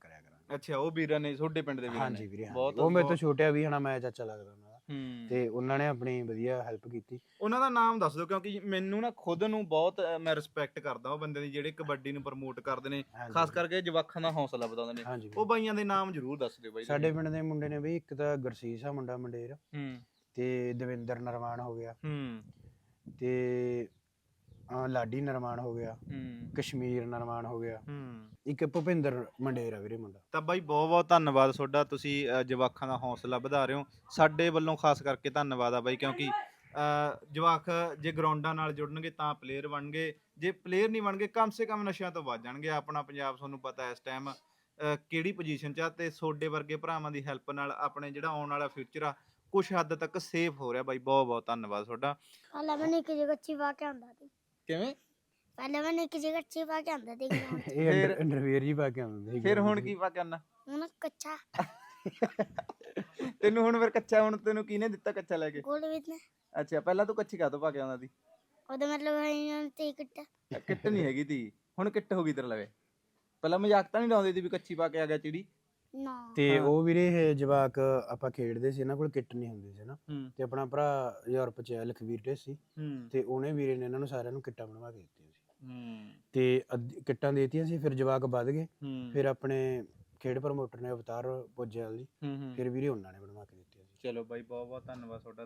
Speaker 1: ਅੱਛਾ, ਉਹ ਵੀਰਾਂ ਨੇ ਤੁਹਾਡੇ ਪਿੰਡ ਦੇ ਵੀਰਾਂ
Speaker 2: ਹਾਂਜੀ
Speaker 1: ਨੇ
Speaker 2: ਵੀਰੇ ਹਾਂਜੀ।
Speaker 1: ਬਹੁਤ
Speaker 2: ਉਹ ਮੇਰੇ ਤੋਂ ਛੋਟੇ ਆ ਵੀ ਹਨਾ, ਮੈਂ ਚਾਚਾ ਲੱਗਦਾ ਉਹਨਾਂ ਦਾ,
Speaker 1: ਹੂੰ
Speaker 2: ਤੇ ਉਹਨਾਂ ਨੇ ਆਪਣੀ ਵਧੀਆ ਹੈਲਪ ਕੀਤੀ।
Speaker 1: ਉਹਨਾਂ ਦਾ ਨਾਮ ਦੱਸ ਦਿਓ, ਕਿਉਂਕਿ ਮੈਨੂੰ ਨਾ ਖੁਦ ਨੂੰ ਬਹੁਤ ਮੈਂ ਰਿਸਪੈਕਟ ਕਰਦਾ ਉਹ ਬੰਦੇ ਦੀ ਜਿਹੜੇ ਕਬੱਡੀ ਨੂੰ ਪ੍ਰਮੋਟ ਕਰਦੇ ਨੇ,
Speaker 2: ਹਾਂਜੀ
Speaker 1: ਖਾਸ
Speaker 2: ਵੀਰੇ।
Speaker 1: ਕਰਕੇ ਜਵਾਕਾਂ ਦਾ ਹੌਸਲਾ ਵਧਾਉਂਦੇ ਨੇ।
Speaker 2: ਹਾਂਜੀ
Speaker 1: ਉਹ
Speaker 2: ਵੀਰੇ।
Speaker 1: ਬਾਈਆਂ ਦੇ ਨਾਮ ਜ਼ਰੂਰ ਦੱਸ ਦਿਓ ਬਾਈ
Speaker 2: ਸਾਡੇ ਪਿੰਡ ਦੇ ਮੁੰਡੇ ਨੇ ਬਈ, ਇੱਕ ਤਾਂ ਗੁਰਸੀਸ ਆ ਮੁੰਡਾ ਮੰਡੇਰ,
Speaker 1: ਹੂੰ
Speaker 2: ਤੇ ਦਵਿੰਦਰ ਨਰਮਾਨ ਹੋ ਗਿਆ,
Speaker 1: ਹੂੰ
Speaker 2: ਤੇ ਲਾਡੀ ਨਰਮਾਨ ਹੋ ਗਿਆ,
Speaker 1: ਹੂੰ
Speaker 2: ਕਸ਼ਮੀਰ ਨਰਮਾਨ ਹੋ ਗਿਆ,
Speaker 1: ਹੂੰ
Speaker 2: ਇੱਕ ਭੁਪਿੰਦਰ ਮੰਡੇਰ ਆ ਵੀਰੇ ਮੁੰਡਾ।
Speaker 1: ਤਾਂ ਬਾਈ ਬਹੁਤ ਬਹੁਤ ਧੰਨਵਾਦ ਤੁਹਾਡਾ, ਤੁਸੀਂ ਜਵਾਕਾਂ ਦਾ ਹੌਸਲਾ ਵਧਾ ਰਹੇ ਹੋ। ਸਾਡੇ ਵੱਲੋਂ ਖਾਸ ਕਰਕੇ ਧੰਨਵਾਦ ਆ ਬਾਈ, ਕਿਉਂਕਿ ਜਵਾਕ ਜੇ ਗਰਾਊਂਡਾਂ ਨਾਲ ਜੁੜਨਗੇ ਤਾਂ ਪਲੇਅਰ ਬਣਨਗੇ, ਜੇ ਪਲੇਅਰ ਨਹੀਂ ਬਣਨਗੇ ਕਮ ਸੇ ਕਮ ਨਸ਼ਿਆਂ ਤੋਂ ਬਚ ਜਾਣਗੇ। ਆਪਣਾ ਪੰਜਾਬ ਤੁਹਾਨੂੰ ਪਤਾ ਇਸ ਟਾਈਮ ਕਿਹੜੀ ਪੋਜੀਸ਼ਨ 'ਚ ਆ, ਤੇ ਤੁਹਾਡੇ ਵਰਗੇ ਭਰਾਵਾਂ ਦੀ ਹੈਲਪ ਨਾਲ ਆਪਣੇ ਜਿਹੜਾ ਆਉਣ ਵਾਲਾ ਫਿਊਚਰ ਆ ਕੁਛ ਹੱਦ ਤੱਕ ਸੇਫ ਹੋ ਰਿਹਾ ਬਾਈ। ਬਹੁਤ ਬਹੁਤ ਧੰਨਵਾਦ ਤੁਹਾਡਾ।
Speaker 3: ਪਹਿਲਾਂ ਮੈਂ ਨਿੱਕੀ ਜਿਹੀ ਕੱਚੀ ਪਾ ਕੇ ਆਉਂਦਾ ਸੀ
Speaker 1: ਕਿਵੇਂ?
Speaker 3: ਪਹਿਲਾਂ ਮੈਂ ਨਿੱਕੀ ਜਿਹੀ ਕੱਚੀ ਪਾ ਕੇ ਆਉਂਦਾ ਸੀ ground 'ਚ।
Speaker 2: ਇਹ ਅੰਡਰਵੇਅਰ ਜੀ ਪਾ ਕੇ ਆਉਂਦੇ ਸੀ।
Speaker 1: ਫਿਰ ਹੁਣ ਕੀ ਪਾ ਕਰਨਾ
Speaker 3: ਹੁਣ ਕੱਚਾ
Speaker 1: ਤੈਨੂੰ? ਹੁਣ ਫਿਰ ਕੱਚਾ ਹੁਣ ਤੈਨੂੰ ਕਿਹਨੇ ਦਿੱਤਾ ਕੱਚਾ ਲੈ ਕੇ?
Speaker 3: ਗੋਲ ਵਿੱਚ ਨੇ
Speaker 1: ਅੱਛਾ, ਪਹਿਲਾਂ ਤੂੰ ਕੱਚੀ ਕਾਹਤੋਂ ਪਾ ਕੇ ਆਉਂਦਾ ਸੀ?
Speaker 3: ਉਹਦਾ ਮਤਲਬ ਹੈ ਤੇ ਕਿੱਟਾ
Speaker 1: ਕਿੱਟ ਨਹੀਂ ਹੈਗੀ ਤੀ, ਹੁਣ ਕਿੱਟ ਹੋ ਗਈ ਤੇਰੇ ਲਵੇ। ਪਹਿਲਾਂ ਮਜ਼ਾਕ ਤਾਂ ਨਹੀਂ ਲਾਉਂਦੇ ਸੀ ਵੀ ਕੱਚੀ ਪਾ ਕੇ ਆ ਗਿਆ ਚਿੜੀ?
Speaker 3: ਨਾ
Speaker 2: ਤੇ
Speaker 1: ਹਾਂ।
Speaker 2: ਉਹ ਵੀਰੇ ਇਹ ਜਵਾਕ ਆਪਾਂ ਖੇਡਦੇ ਸੀ, ਇਹਨਾਂ ਕੋਲ ਕਿੱਟ ਨਹੀਂ ਹੁੰਦੀ ਸੀ ਨਾ,
Speaker 1: ਹੂੰ
Speaker 2: ਤੇ ਆਪਣਾ ਭਰਾ ਯੂਰਪ 'ਚ ਹੈ ਲਖਵੀਰ ਢੇਸੀ,
Speaker 1: ਹੂੰ
Speaker 2: ਤੇ ਉਹਨੇ ਵੀਰੇ ਨੇ ਇਹਨਾਂ ਨੂੰ ਸਾਰਿਆਂ ਨੂੰ ਕਿੱਟਾਂ ਬਣਵਾ ਕੇ ਦਿੱਤੀਆਂ ਸੀ,
Speaker 1: ਹੂੰ
Speaker 2: ਤੇ ਕਿੱਟਾਂ ਦੇ ਦਿੱਤੀਆਂ ਸੀ। ਫਿਰ ਜਵਾਕ ਵੱਧ ਗਏ,
Speaker 1: ਹੂੰ
Speaker 2: ਫਿਰ ਆਪਣੇ ਖੇਡ ਪ੍ਰਮੋਟਰ ਨੇ ਅਵਤਾਰ ਪੁੱਜਿਆਲ ਜੀ,
Speaker 1: ਹੂੰ
Speaker 2: ਫਿਰ ਵੀਰੇ ਉਹਨਾਂ ਨੇ ਬਣਵਾ ਕੇ ਦਿੱਤੀਆਂ ਸੀ।
Speaker 1: ਚਲੋ ਬਾਈ, ਬਹੁਤ ਬਹੁਤ ਧੰਨਵਾਦ ਤੁਹਾਡਾ।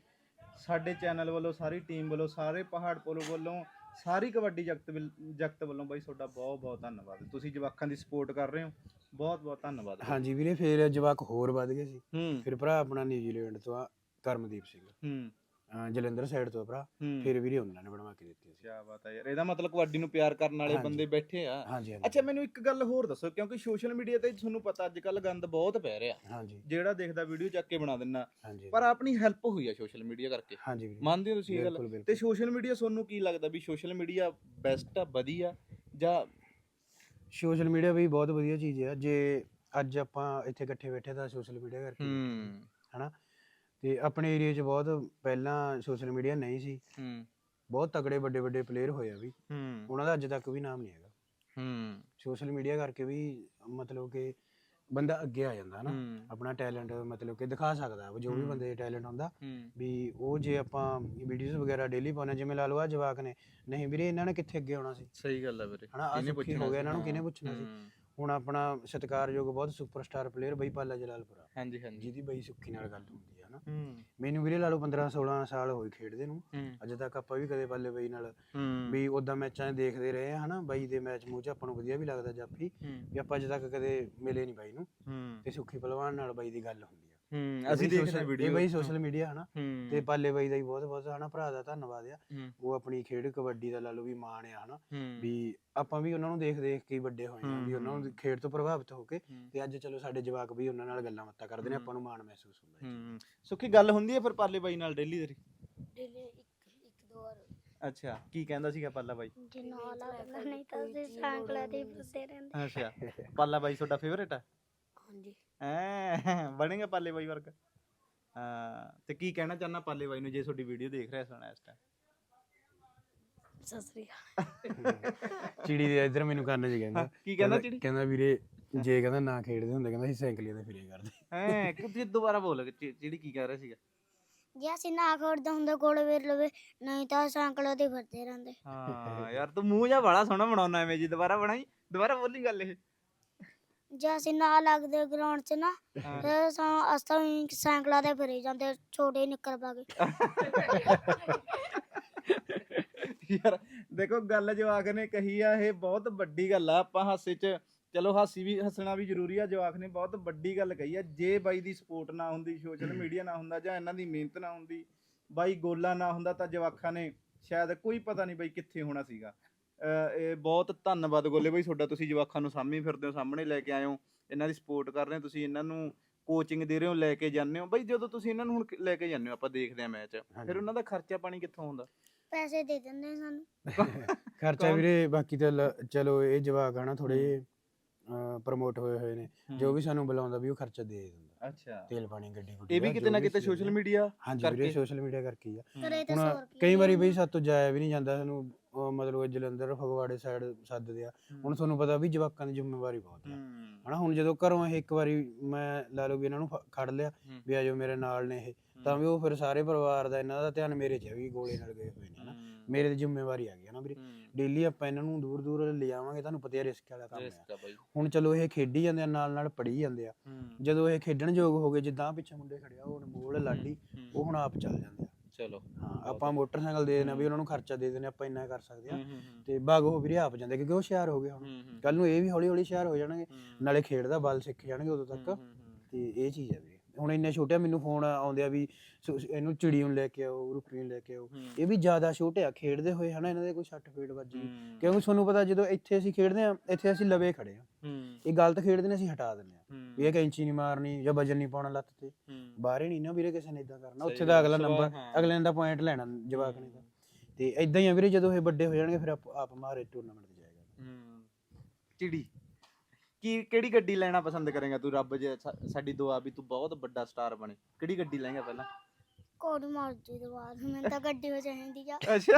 Speaker 1: ਸਾਡੇ ਚੈਨਲ ਵੱਲੋਂ, ਸਾਰੀ ਟੀਮ ਵੱਲੋਂ, ਸਾਰੇ ਪਹਾੜ ਪੋਲੋ ਵੱਲੋਂ, ਸਾਰੀ ਕਬੱਡੀ ਜਗਤ ਵੱਲੋਂ ਬਾਈ ਤੁਹਾਡਾ ਬਹੁਤ ਬਹੁਤ ਧੰਨਵਾਦ। ਤੁਸੀਂ ਜਵਾਕਾਂ ਦੀ ਸਪੋਰਟ ਕਰ ਰਹੇ ਹੋ, ਬਹੁਤ ਬਹੁਤ ਧੰਨਵਾਦ ਬਾਈ।
Speaker 2: ਹਾਂਜੀ ਵੀਰੇ, ਫਿਰ ਜਵਾਕ ਹੋਰ ਵੱਧ ਗਏ ਸੀ।
Speaker 1: ਹੂੰ
Speaker 2: ਫਿਰ ਭਰਾ ਆਪਣਾ ਨਿਊਜ਼ੀਲੈਂਡ ਤੋਂ ਆ ਕਰਮਦੀਪ ਸਿੰਘ,
Speaker 1: ਹੂੰ
Speaker 2: ਜਲੰਧਰ ਸਾਈਡ ਤੋਂ ਭਰਾ,
Speaker 1: ਹੂੰ
Speaker 2: ਫਿਰ ਵੀਰੇ ਉਹਨਾਂ ਨੇ ਬਣਵਾ ਕੇ ਦਿੱਤੀਆਂ ਸੀ।
Speaker 1: ਕੀ ਬਾਤ ਹੈ ਯਾਰ, ਇਹਦਾ ਮਤਲਬ ਕਬੱਡੀ ਨੂੰ ਪਿਆਰ ਕਰਨ ਵਾਲੇ
Speaker 2: ਹਾਂਜੀ।
Speaker 1: ਬੰਦੇ ਬੈਠੇ ਆ।
Speaker 2: ਹਾਂਜੀ ਹਾਂਜੀ
Speaker 1: ਅੱਛਾ, ਮੈਨੂੰ ਇੱਕ ਗੱਲ ਹੋਰ ਦੱਸੋ, ਕਿਉਂਕਿ ਸੋਸ਼ਲ ਮੀਡੀਆ ਤੇ ਤੁਹਾਨੂੰ ਪਤਾ ਅੱਜ ਕੱਲ ਗੰਦ ਬਹੁਤ ਪੈ ਰਿਹਾ,
Speaker 2: ਹਾਂਜੀ
Speaker 1: ਜਿਹੜਾ ਦੇਖਦਾ ਵੀਡੀਓ ਚੱਕ ਕੇ ਬਣਾ ਦਿੰਦਾ,
Speaker 2: ਹਾਂਜੀ
Speaker 1: ਪਰ ਆਪਣੀ ਹੈਲਪ ਹੋਈ ਆ ਸੋਸ਼ਲ ਮੀਡੀਆ ਕਰਕੇ।
Speaker 2: ਹਾਂਜੀ ਵੀਰੇ,
Speaker 1: ਮੰਨਦੇ ਹੋ ਤੁਸੀਂ ਇਹ ਗੱਲ?
Speaker 2: ਬਿਲਕੁਲ
Speaker 1: ਤੇ
Speaker 2: ਬਿਲਕੁਲ।
Speaker 1: ਸੋਸ਼ਲ ਮੀਡੀਆ ਤੁਹਾਨੂੰ ਕੀ ਲੱਗਦਾ ਵੀ ਸੋਸ਼ਲ ਮੀਡੀਆ ਬੈਸਟ ਆ, ਵਧੀਆ, ਜਾਂ
Speaker 2: ਸੋਸ਼ਲ ਮੀਡੀਆ ਵੀ ਬਹੁਤ ਵਧੀਆ ਚੀਜ਼ ਆ। ਜੇ ਅੱਜ ਆਪਾਂ ਇੱਥੇ ਇਕੱਠੇ ਬੈਠੇ ਤਾਂ ਸੋਸ਼ਲ ਮੀਡੀਆ ਕਰਕੇ ਹਨਾ, ਤੇ ਆਪਣੇ ਏਰੀਆ 'ਚ ਬਹੁਤ ਪਹਿਲਾਂ ਸੋਸ਼ਲ ਮੀਡੀਆ ਨਹੀਂ ਸੀ, ਬਹੁਤ ਤਗੜੇ ਵੱਡੇ ਵੱਡੇ ਪਲੇਅਰ ਹੋਏ ਆ ਵੀ, ਉਹਨਾਂ ਦਾ ਅੱਜ ਤੱਕ ਵੀ ਨਾਮ ਨਹੀਂ ਹੈਗਾ। ਸੋਸ਼ਲ ਮੀਡੀਆ ਕਰਕੇ ਵੀ ਮਤਲਬ ਕਿ ਬੰਦਾ ਅੱਗੇ ਆ ਜਾਂਦਾ ਹਨਾ, ਆਪਣਾ ਟੈਲੈਂਟ ਮਤਲਬ ਕਿ ਦਿਖਾ ਸਕਦਾ, ਜੋ ਵੀ ਬੰਦੇ ਦਾ ਟੈਲੈਂਟ ਹੁੰਦਾ ਵੀ ਉਹ, ਜੇ ਆਪਾਂ ਵੀਡੀਓਜ਼ ਵਗੈਰਾ ਡੇਲੀ ਪਾਉਣਾ, ਜਿਵੇਂ ਲਾ ਲਓ ਆ ਜਵਾਕ ਨੇ, ਨਹੀਂ ਵੀਰੇ ਇਹਨਾਂ ਨੇ ਕਿੱਥੇ ਅੱਗੇ ਆਉਣਾ ਸੀ?
Speaker 1: ਸਹੀ ਗੱਲ ਆ ਵੀਰੇ,
Speaker 2: ਹਨਾ, ਆਹ ਸੁੱਖੀ ਹੋ ਗਿਆ, ਇਹਨਾਂ ਨੂੰ ਕਿਹਨੇ ਪੁੱਛਣਾ ਸੀ? ਹੁਣ ਆਪਣਾ ਸਤਿਕਾਰਯੋਗ ਬਹੁਤ ਸੁਪਰਸਟਾਰ ਪਲੇਅਰ ਬਈ ਪਾਲਾ ਜਲਾਲਪੁਰਾ,
Speaker 1: ਹਾਂਜੀ ਹਾਂਜੀ,
Speaker 2: ਜਿਹਦੀ ਬਈ ਸੁੱਖੀ ਨਾਲ ਗੱਲ ਹੁੰਦੀ ਹੈ ਨਾ। ਮੈਨੂੰ ਵੀਰੇ ਲਾ ਲਓ 15-16 ਸਾਲ ਹੋਏ ਖੇਡਦੇ ਨੂੰ, ਅਜੇ ਤੱਕ ਆਪਾਂ ਵੀ ਕਦੇ ਪਾਲੇ ਬਈ ਨਾਲ ਵੀ ਉਦਾਂ ਮੈਚਾਂ 'ਚ ਦੇਖਦੇ ਰਹੇ ਆ ਹਨਾ, ਬਾਈ ਦੇ ਮੈਚ ਮੂੰਹ 'ਚ ਆਪਾਂ ਨੂੰ ਵਧੀਆ ਵੀ ਲੱਗਦਾ ਜਾਫੀ, ਵੀ ਆਪਾਂ ਅਜੇ ਤੱਕ ਕਦੇ ਮਿਲੇ ਨਹੀਂ ਬਾਈ ਨੂੰ, ਤੇ ਸੁੱਖੀ ਪਹਿਲਵਾਨ ਨਾਲ ਬਾਈ ਦੀ ਗੱਲ ਹੁੰਦੀ ਆ।
Speaker 1: ਅਸੀਂ ਦੇਖਦੇ ਵੀਡੀਓ
Speaker 2: ਬਈ ਸੋਸ਼ਲ ਮੀਡੀਆ ਹਨਾ, ਤੇ ਪਾਲੇ ਬਾਈ ਦਾ ਹੀ ਬਹੁਤ ਬਹੁਤ ਹਨਾ ਭਰਾ ਦਾ ਧੰਨਵਾਦ ਆ। ਉਹ ਆਪਣੀ ਖੇਡ ਕਬੱਡੀ ਦਾ ਲਾ ਲਓ ਵੀ ਮਾਣ ਆ ਹਨਾ, ਵੀ ਆਪਾਂ ਵੀ ਉਹਨਾਂ ਨੂੰ ਦੇਖ ਦੇਖ ਕੇ ਵੱਡੇ ਹੋਏ ਆ, ਵੀ ਉਹਨਾਂ ਨੂੰ ਖੇਡ ਤੋਂ ਪ੍ਰਭਾਵਿਤ ਹੋ ਕੇ, ਤੇ ਅੱਜ ਚਲੋ ਸਾਡੇ ਜਵਾਕ ਵੀ ਉਹਨਾਂ ਨਾਲ ਗੱਲਾਂ ਬਾਤਾਂ ਕਰਦੇ ਨੇ, ਆਪਾਂ ਨੂੰ ਮਾਣ ਮਹਿਸੂਸ ਹੁੰਦਾ।
Speaker 1: ਸੁੱਖੀ ਗੱਲ ਹੁੰਦੀ ਹੈ ਫਿਰ ਪਾਲੇ ਬਾਈ ਨਾਲ ਡੇਲੀ ਤੇਰੀ?
Speaker 3: ਇੱਕ ਦੋ ਵਾਰ।
Speaker 1: ਅੱਛਾ, ਕੀ ਕਹਿੰਦਾ ਸੀਗਾ ਪਾਲਾ ਬਾਈ?
Speaker 3: ਜੇ ਨਾ ਲੱਗਦਾ ਨਹੀਂ ਤਾਂ ਅਸੀਂ ਸਾਂਕਲਾ ਦੇ ਫਿਰਦੇ ਰਹਿੰਦੇ।
Speaker 1: ਅੱਛਾ, ਪਾਲਾ ਬਾਈ ਤੁਹਾਡਾ ਫੇਵਰੇਟ ਆ?
Speaker 3: ਹਾਂਜੀ
Speaker 1: ਬਣੇਗਾ ਪਾਲੇ ਬਾਈ ਵਰਗਾ? ਹਾਂ, ਤੇ ਕੀ ਕਹਿਣਾ ਚਾਹੁੰਦਾ ਪਾਲੇ ਬਾਈ ਨੂੰ ਜੇ ਤੁਹਾਡੀ ਵੀਡੀਓ ਦੇਖ ਰਿਹਾ ਸੁਣਾ ਇਸ ਟਾਈਮ?
Speaker 3: ਸਤਿ ਸ੍ਰੀ ਅਕਾਲ।
Speaker 2: ਚਿੜੀ ਦੇ ਇੱਧਰ ਮੈਨੂੰ ਕੰਨ 'ਚ ਕਹਿੰਦਾ,
Speaker 1: ਕੀ ਕਹਿੰਦਾ ਚਿੜੀ?
Speaker 2: ਕਹਿੰਦਾ ਵੀਰੇ ਜੇ ਕਹਿੰਦਾ ਨਾ ਖੇਡਦੇ ਹੁੰਦੇ, ਕਹਿੰਦਾ ਅਸੀਂ ਸਾਈਕਲੀਆਂ ਤੇ ਫਿਰੇ ਕਰਦੇ।
Speaker 1: ਕਿ ਦੁਬਾਰਾ ਬੋਲ, ਚਿੜੀ ਕੀ ਕਹਿ ਰਿਹਾ ਸੀਗਾ?
Speaker 3: ਜੇ ਅਸੀਂ ਨਾ ਖੇਡਦੇ ਹੁੰਦੇ ਕੋਲ ਵੇਰ ਲਵੇ, ਨਹੀਂ ਤਾਂ ਸਾਂਕਲਾ ਦੇ ਫਿਰਦੇ ਰਹਿੰਦੇ।
Speaker 1: ਹਾਂ ਯਾਰ, ਤੂੰ ਮੂੰਹ ਜਿਹਾ ਬੜਾ ਸੋਹਣਾ ਬਣਾਉਣਾ ਐਵੇਂ ਜੀ, ਦੁਬਾਰਾ ਬਣਾਈ, ਦੁਬਾਰਾ ਬੋਲੀ ਗੱਲ ਇਹ।
Speaker 3: ਜੇ ਅਸੀਂ ਨਾ ਲੱਗਦੇ ਗਰਾਊਂਡ 'ਚ ਨਾ, ਫਿਰ ਅਸਾਂ ਵੀ ਸਾਂਕਲਾ ਦੇ ਫਿਰੇ ਜਾਂਦੇ, ਛੋਟੇ ਨਿੱਕਰ ਪਾ ਕੇ।
Speaker 1: ਯਾਰ ਦੇਖੋ, ਗੱਲ ਜਵਾਕ ਨੇ ਕਹੀ ਆ, ਇਹ ਬਹੁਤ ਵੱਡੀ ਗੱਲ ਆ। ਆਪਾਂ ਹਾਸੇ 'ਚ ਚਲੋ ਹੱਸਣਾ ਵੀ ਜ਼ਰੂਰੀ ਆ, ਜਵਾਕ ਨੇ ਬਹੁਤ ਵੱਡੀ ਗੱਲ ਕਹੀ ਆ। ਜੇ ਬਾਈ ਦੀ ਸਪੋਰਟ ਨਾ ਹੁੰਦੀ, ਸੋਸ਼ਲ ਮੀਡੀਆ ਨਾ ਹੁੰਦਾ, ਜਾਂ ਇਹਨਾਂ ਦੀ ਮਿਹਨਤ ਨਾ ਹੁੰਦੀ, ਬਾਈ ਗੋਲਾ ਨਾ ਹੁੰਦਾ, ਤਾਂ ਜਵਾਕਾਂ ਨੇ ਸ਼ਾਇਦ ਕੋਈ ਪਤਾ ਨਹੀਂ ਬਾਈ ਕਿੱਥੇ ਹੋਣਾ ਸੀਗਾ। ਇਹ ਬਹੁਤ ਧੰਨਵਾਦ ਗੋਲੇ ਬਾਈ ਤੁਹਾਡਾ, ਤੁਸੀਂ ਜਵਾਕਾਂ ਨੂੰ ਸਾਹਮਣੇ ਫਿਰਦੇ ਹੋ, ਸਾਹਮਣੇ ਲੈ ਕੇ ਆਏ ਹੋ, ਇਹਨਾਂ ਦੀ ਸਪੋਰਟ ਕਰ ਰਹੇ ਹੋ, ਤੁਸੀਂ ਇਹਨਾਂ ਨੂੰ ਕੋਚਿੰਗ ਦੇ ਰਹੇ ਹੋ, ਲੈ ਕੇ ਜਾਂਦੇ ਹੋ। ਬਾਈ ਜਦੋਂ ਤੁਸੀਂ ਇਹਨਾਂ ਨੂੰ ਹੁਣ ਲੈ ਕੇ ਜਾਂਦੇ ਹੋ, ਆਪਾਂ ਦੇਖਦੇ ਹਾਂ ਮੈਚ, ਫਿਰ ਉਹਨਾਂ ਦਾ ਖਰਚਾ ਪਾਣੀ ਕਿੱਥੋਂ ਹੁੰਦਾ?
Speaker 3: ਪੈਸੇ ਦੇ ਦਿੰਦੇ ਸਾਨੂੰ
Speaker 2: ਖਰਚਾ ਵੀਰੇ ਬਾਕੀ ਤਾਂ ਚਲੋ ਇਹ ਜਵਾਕ ਆ ਨਾ ਥੋੜੇ ਪ੍ਰਮੋਟ ਹੋਏ ਨੇ, ਜੋ ਵੀ ਸਾਨੂੰ ਬੁਲਾਉਂਦਾ ਵੀ ਉਹ ਖਰਚਾ ਦੇ ਦਿੰਦਾ।
Speaker 1: ਅੱਛਾ,
Speaker 2: ਤੇਲ ਪਾਣੀ ਗੱਡੀ ਗੁੱਡੀ
Speaker 1: ਇਹ ਵੀ ਕਿਤੇ ਨਾ ਕਿਤੇ ਸੋਸ਼ਲ ਮੀਡੀਆ
Speaker 2: ਹਾਂਜੀ ਵੀਰੇ ਸੋਸ਼ਲ ਮੀਡੀਆ ਕਰਕੇ ਹੀ ਆ।
Speaker 3: ਕਰੇ ਤਾਂ
Speaker 2: ਹੁਣ
Speaker 3: 100 ਰੁਪਏ
Speaker 2: ਕਈ ਵਾਰੀ ਬਈ ਸਾਤੋਂ ਜਾਇਆ ਵੀ ਨਹੀਂ ਜਾਂਦਾ, ਸਾਨੂੰ ਮਤਲਬ ਜਲੰਧਰ ਫਗਵਾੜੇ ਸਾਈਡ ਸੱਦਦੇ ਆ। ਹੁਣ ਤੁਹਾਨੂੰ ਪਤਾ ਵੀ ਜਵਾਕਾਂ ਦੀ ਜ਼ਿੰਮੇਵਾਰੀ ਬਹੁਤ ਆ ਹਨਾ। ਹੁਣ ਜਦੋਂ ਘਰੋਂ ਇਹ ਇੱਕ ਵਾਰੀ ਮੈਂ ਲਾ ਲਓ ਵੀ ਇਹਨਾਂ ਨੂੰ ਖੜ ਲਿਆ ਵੀ ਆਜੋ ਮੇਰੇ ਨਾਲ ਨੇ ਇਹ, ਤਾਂ ਵੀ ਉਹ ਫਿਰ ਸਾਰੇ ਪਰਿਵਾਰ ਦਾ ਇਹਨਾਂ ਦਾ ਧਿਆਨ ਮੇਰੇ 'ਚ ਹੈ ਵੀ ਗੋਲੇ ਨਾਲ ਗਏ ਹੋਏ ਨੇ ਹਨਾ। ਮੇਰੇ ਤੇ ਜ਼ਿੰਮੇਵਾਰੀ ਆ ਗਈ ਹਨਾ ਵੀਰੇ। ਡੇਲੀ ਆਪਾਂ ਇਹਨਾਂ ਨੂੰ ਦੂਰ ਦੂਰ ਲਿਜਾਵਾਂਗੇ, ਤੁਹਾਨੂੰ ਪਤਾ ਰਿਸਕ ਵਾਲਾ ਕੰਮ ਹੈ। ਹੁਣ ਚਲੋ ਇਹ ਖੇਡੀ ਜਾਂਦੇ ਆ, ਨਾਲ ਨਾਲ ਪੜ੍ਹੀ ਜਾਂਦੇ ਆ। ਜਦੋਂ ਇਹ ਖੇਡਣ ਯੋਗ ਹੋ ਗਏ, ਜਿੱਦਾਂ ਪਿੱਛੇ ਮੁੰਡੇ ਖੜਿਆ ਉਹ ਅਨਮੋਲ ਲਾਡੀ, ਉਹ ਹੁਣ ਆਪ ਚੱਲ ਜਾਂਦੇ ਆ।
Speaker 1: ਚਲੋ
Speaker 2: ਹਾਂ, ਆਪਾਂ ਮੋਟਰਸਾਈਕਲ ਦੇ ਦੇਣਾ ਵੀ ਉਹਨਾਂ ਨੂੰ ਖਰਚਾ ਦੇ ਦੇਣਾ, ਆਪਾਂ ਇੰਨਾ ਕਰ ਸਕਦੇ ਆ। ਤੇ ਬਾਗ ਉਹ ਵੀਰੇ ਆਪ ਜਾਂਦੇ ਕਿਉਂਕਿ ਉਹ ਹੁਸ਼ਿਆਰ ਹੋ ਗਏ। ਹੁਣ ਕੱਲ ਨੂੰ ਇਹ ਵੀ ਹੌਲੀ ਹੌਲੀ ਹੁਸ਼ਿਆਰ ਹੋ ਜਾਣਗੇ, ਨਾਲੇ ਖੇਡ ਦਾ ਬਲ ਸਿੱਖ ਜਾਣਗੇ ਉਦੋਂ ਤੱਕ। ਤੇ ਇਹ ਚੀਜ਼ ਹੈ ਵੀਰੇ। ਹੁਣ ਇੰਨੇ ਛੋਟੇ ਮੈਨੂੰ ਫੋਨ ਆਉਂਦੇ ਆ ਵੀ ਇਹਨੂੰ ਚਿੜੀ ਨੂੰ ਲੈ ਕੇ ਆਓ, ਰੁਪੀ ਨੂੰ ਲੈ ਕੇ ਆਓ। ਇਹ ਵੀ ਜ਼ਿਆਦਾ ਛੋਟੇ ਆ ਖੇਡਦੇ ਹੋਏ ਹਨਾ, ਇਹਨਾਂ ਦੇ ਕੋਈ ਸੱਟ ਫੇਟ ਵੱਜ ਗਈ। ਕਿਉਂਕਿ ਤੁਹਾਨੂੰ ਪਤਾ ਜਦੋਂ ਇੱਥੇ ਅਸੀਂ ਖੇਡਦੇ ਆ, ਇੱਥੇ ਅਸੀਂ ਲਵੇ ਖੜੇ ਆ, ਇਹ ਗਲਤ ਖੇਡਦੇ ਨੇ ਅਸੀਂ ਹਟਾ ਦਿੰਦੇ ਆ ਵੀ ਇਹ ਕੈਂਚੀ ਨਹੀਂ ਮਾਰਨੀ ਜਾਂ ਵਜਨ ਨਹੀਂ ਪਾਉਣਾ ਲੱਤ ਤੇ। ਬਾਹਰੇ ਨਹੀਂ ਨਾ ਵੀਰੇ ਕਿਸੇ ਨੇ ਏਦਾਂ ਕਰਨਾ, ਉੱਥੇ ਦਾ ਅਗਲਾ ਨੰਬਰ ਅਗਲੇ ਦਾ ਪੁਆਇੰਟ ਲੈਣਾ ਜਵਾਕ ਨੇ ਤਾਂ। ਤੇ ਏਦਾਂ ਹੀ ਆ ਵੀਰੇ, ਜਦੋਂ ਇਹ ਵੱਡੇ ਹੋ ਜਾਣਗੇ ਫਿਰ ਆਪ ਮਾਰੇ ਟੂਰਨਾਮੈਂਟ ਤੇ ਜਾਏਗਾ।
Speaker 1: ਚਿੜੀ ਕਿਹੜੀ ਗੱਡੀ ਲੈਣਾ ਪਸੰਦ ਕਰੇਗਾ ਤੂੰ? ਰੱਬ ਜੇ ਸਾਡੀ ਦੁਆ ਵੀ ਤੂੰ ਬਹੁਤ ਵੱਡਾ ਸਟਾਰ ਬਣੇ, ਕਿਹੜੀ ਗੱਡੀ ਲਏਗਾ ਪਹਿਲਾਂ?
Speaker 3: ਕੋਡ ਮਰਜ਼ੀ ਦੇ ਬਾਅਦ ਮੈਨੂੰ ਤਾਂ ਗੱਡੀ ਹੋ ਚਾਹੀਦੀ ਆ।
Speaker 1: ਅੱਛਾ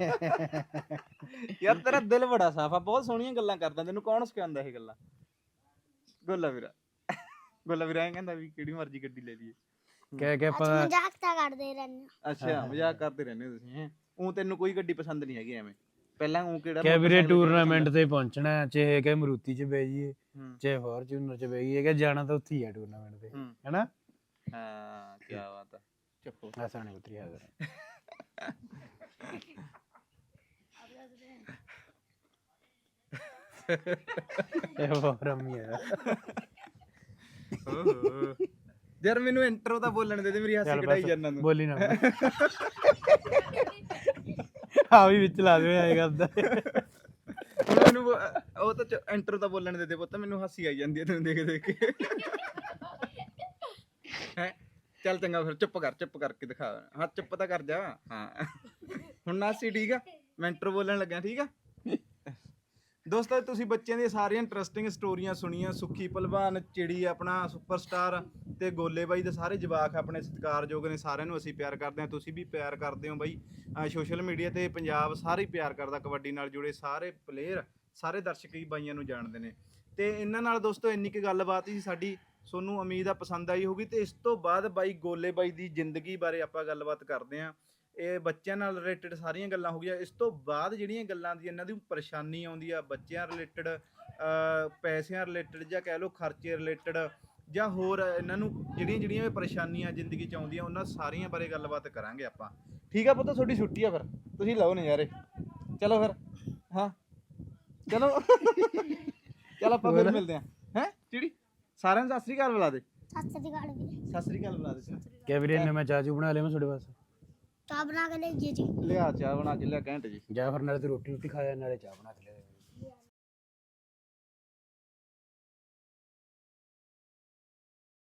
Speaker 1: ਯਾਰ ਤੇਰਾ ਦਿਲ ਬੜਾ ਸਾਫ ਆ, ਬਹੁਤ ਸੋਹਣੀਆਂ ਗੱਲਾਂ ਕਰਦਾ। ਤੈਨੂੰ ਕੌਣ ਸਿਖਾਉਂਦਾ ਇਹ ਗੱਲਾਂ? ਗੋਲਾ ਵੀਰਾ ਇਹ ਕਹਿੰਦਾ ਵੀ ਕਿਹੜੀ ਮਰਜ਼ੀ ਗੱਡੀ ਲੈ ਲਈਏ।
Speaker 2: ਕਹਿ ਆਪਾਂ
Speaker 3: ਮਜ਼ਾਕ ਤਾਂ ਕਰਦੇ ਰਹਿੰਦੇ।
Speaker 1: ਅੱਛਾ ਮਜ਼ਾਕ ਕਰਦੇ ਰਹਿੰਦੇ ਹੋ ਤੁਸੀਂ। ਉਹ ਤੈਨੂੰ ਕੋਈ ਗੱਡੀ ਪਸੰਦ ਨਹੀਂ ਹੈਗੀ ਐਵੇਂ? ਪਹਿਲਾਂ ਉਹ ਕਿਹੜਾ
Speaker 2: ਕਹਿ ਵੀਰੇ ਟੂਰਨਾਮੈਂਟ ਤੇ ਪਹੁੰਚਣਾ, ਚਾਹੇ ਕਿ ਮਰੂਤੀ 'ਚ ਬਹਿ ਜਾਈਏ ਚਾਹੇ ਫੋਰਚੂਨਰ 'ਚ ਬਹਿ ਜਾਈਏ, ਕਿ ਜਾਣਾ ਤਾਂ ਉੱਥੇ ਹੀ ਆ ਟੂਰਨਾਮੈਂਟ ਤੇ ਹਨਾ।
Speaker 1: ਹਾਂ ਕੀ ਬਾਤ ਆ। ਚੱਪੋ
Speaker 2: ਐਸਾ ਨਹੀਂ ਉਤਰੀ ਹਾਜ਼ਰ ਇਹ ਬਹੁਤ ਰਮੀ ਹੈ
Speaker 1: ਯਾਰ ਮੈਨੂੰ ਇੰਟਰੋ ਤਾਂ ਬੋਲਣ ਦੇ ਮੇਰੀ ਹਾਸੀ ਕਢਾਈ ਜਾਂਦਾ ਤੂੰ।
Speaker 2: ਬੋਲੀ ਨਾ ਆ ਵੀ ਵਿੱਚ ਲਾ ਦੇ ਆਏ ਕਰਦਾ।
Speaker 1: ਮੈਨੂੰ ਉਹ ਤਾਂ ਇੰਟਰੋ ਤਾਂ ਬੋਲਣ ਦੇ ਪੁੱਤ, ਮੈਨੂੰ ਹਾਸੀ ਆਈ ਜਾਂਦੀ ਹੈ ਤੈਨੂੰ ਦੇਖ ਦੇਖ ਕੇ। ਹੈ ਚੱਲ ਚੰਗਾ ਫਿਰ ਚੁੱਪ ਕਰਕੇ ਦਿਖਾ। ਹਾਂ ਚੁੱਪ ਤਾਂ ਕਰ ਜਾ। ਹਾਂ ਹੁਣ ਨਾਸੀ ਠੀਕ ਆ, ਮੈਂ ਇੰਟਰੋ ਬੋਲਣ ਲੱਗਿਆ ਠੀਕ ਆ। ਦੋਸਤੋ ਤੁਸੀਂ ਬੱਚਿਆਂ ਦੀਆਂ ਸਾਰੀਆਂ ਇੰਟਰਸਟਿੰਗ ਸਟੋਰੀਆਂ ਸੁਣੀਆਂ। ਸੁੱਖੀ ਭਲਵਾਨ, ਚਿੜੀ ਆਪਣਾ ਸੁਪਰਸਟਾਰ ਤੇ ਗੋਲੇ ਬਾਈ ਦੇ ਸਾਰੇ ਜਵਾਕ ਆਪਣੇ ਸਤਿਕਾਰਯੋਗ ਨੇ। ਸਾਰਿਆਂ ਨੂੰ ਅਸੀਂ ਪਿਆਰ ਕਰਦੇ ਹਾਂ, ਤੁਸੀਂ ਵੀ ਪਿਆਰ ਕਰਦੇ ਹੋ ਬਾਈ। ਸੋਸ਼ਲ ਮੀਡੀਆ ਤੇ ਪੰਜਾਬ ਸਾਰੇ ਪਿਆਰ ਕਰਦਾ, ਕਬੱਡੀ ਨਾਲ ਜੁੜੇ ਸਾਰੇ ਪਲੇਅਰ, ਸਾਰੇ ਦਰਸ਼ਕ ਹੀ ਬਾਈਆਂ ਨੂੰ ਜਾਣਦੇ ਨੇ। ਤੇ ਇਹਨਾਂ ਨਾਲ ਦੋਸਤੋ ਇੰਨੀ ਕੁ ਗੱਲਬਾਤ ਸੀ ਸਾਡੀ, ਤੁਹਾਨੂੰ ਉਮੀਦ ਆ ਪਸੰਦ ਆਈ ਹੋਊਗੀ। ਤੇ ਇਸ ਤੋਂ ਬਾਅਦ ਬਾਈ ਗੋਲੇ ਬਾਈ ਦੀ ਜ਼ਿੰਦਗੀ ਬਾਰੇ ਆਪਾਂ ਗੱਲਬਾਤ ਕਰਦੇ ਹਾਂ। ਇਹ ਬੱਚਿਆਂ ਨਾਲ ਰਿਲੇਟਡ ਸਾਰੀਆਂ ਗੱਲਾਂ ਹੋ ਗਈਆਂ। ਇਸ ਤੋਂ ਬਾਅਦ ਜਿਹੜੀਆਂ ਗੱਲਾਂ ਦੀ ਇਹਨਾਂ ਦੀ ਪਰੇਸ਼ਾਨੀ ਆਉਂਦੀ ਆ ਬੱਚਿਆਂ ਰਿਲੇਟਡ, ਪੈਸਿਆਂ ਰਿਲੇਟਡ, ਜਾਂ ਕਹਿ ਲਓ ਖਰਚੇ ਰਿਲੇਟਡ, ਜਾਂ ਹੋਰ ਇਹਨਾਂ ਨੂੰ ਜਿਹੜੀਆਂ ਪਰੇਸ਼ਾਨੀਆਂ ਜ਼ਿੰਦਗੀ 'ਚ ਆਉਂਦੀਆਂ, ਉਹਨਾਂ ਸਾਰੀਆਂ ਬਾਰੇ ਗੱਲਬਾਤ ਕਰਾਂਗੇ ਆਪਾਂ। ਠੀਕ ਆ ਪੁੱਤ, ਤੁਹਾਡੀ ਛੁੱਟੀ ਆ, ਫਿਰ ਤੁਸੀਂ ਲਓ ਨਜ਼ਾਰੇ। ਚਲੋ ਫਿਰ ਹਾਂ ਚਲੋ ਚਲ ਆਪਾਂ ਫਿਰ ਮਿਲਦੇ ਹਾਂ। ਹੈਂ ਚਿੜੀ ਸਾਰਿਆਂ ਨੂੰ ਸਤਿ ਸ੍ਰੀ ਅਕਾਲ ਬੁਲਾ ਦੇ।
Speaker 3: ਸਤਿ ਸ੍ਰੀ ਅਕਾਲ ਵੀਰੇ।
Speaker 1: ਸਤਿ ਸ੍ਰੀ ਅਕਾਲ ਬੁਲਾ ਦੇ।
Speaker 2: ਕਹਿ ਵੀਰੇ ਇਹਨੇ ਮੈਂ ਚਾਚੂ ਬਣਾ ਲਿਆ ਮੈਂ ਤੁਹਾਡੇ ਵਾਸਤੇ।
Speaker 3: ਚਾਹ ਬਣਾ ਕੇ ਲੈ ਜੀ।
Speaker 1: ਲਿਆ ਚਾਹ ਬਣਾ ਕੇ ਲਿਆ ਘੰਟੇ ਜੀ।
Speaker 2: ਜਾਂ ਫਿਰ ਨਾਲੇ ਤੇ ਰੋਟੀ ਖਾਇਆ ਨਾਲੇ ਚਾਹ ਬਣਾ ਕੇ ਲਿਆ।